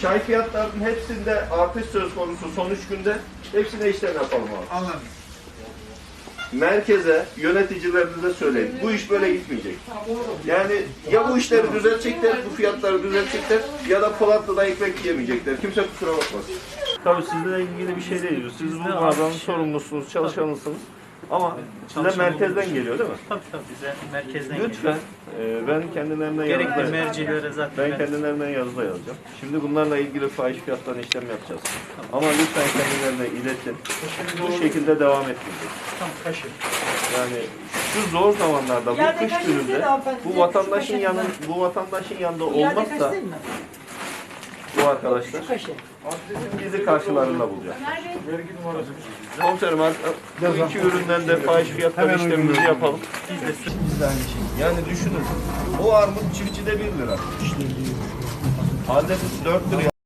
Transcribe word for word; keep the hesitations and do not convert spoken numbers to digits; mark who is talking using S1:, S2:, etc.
S1: çay fiyatlarının hepsinde artış söz konusu son üç günde. Hepsine işlem yapalım abi.
S2: Anladım.
S1: Merkeze, yöneticilerinize söyleyin. Bu iş böyle gitmeyecek. Yani ya bu işleri düzeltecekler, bu fiyatları düzeltecekler ya da Polatlı'da ekmek yemeyecekler. Kimse kusura bakmasın. Tabii sizinle ilgili bir şey değil. Siz bu mağazanın sorumlusunuz, çalışanısınız. Ama size merkezden geliyor değil mi?
S3: Tabii tabii bize merkezden
S1: Lütfen e, ben kendilerine yazıda
S3: gerekli mercilere zaten
S1: ben
S3: ben
S1: kendilerine yazıda yazacağım. Şimdi bunlarla ilgili fahiş fiyattan işlem yapacağız. Ama lütfen kendilerine iletin. Bu şekilde devam etmeyecek.
S3: tam kaşı.
S1: Yani şu zor zamanlarda bu
S4: Yerde
S1: kış
S4: kaç
S1: gününde
S4: liraydı hanımefendi?
S1: bu
S4: Şu
S1: vatandaşın
S4: kaşe
S1: yanı
S4: kadar.
S1: bu vatandaşın yanında
S4: Bu yerde
S1: olmazsa
S4: kaç değil mi?
S1: bu arkadaşlar
S4: Şu kaşı.
S1: bizi karşılarında bulacak. Komiserim bu iki üründen de fahiş fiyattan işlemimizi yapalım.
S3: Biz de
S1: Biz de aynı şey. Yani düşünün. O armut çiftçide bir lira. Adeti dört lira.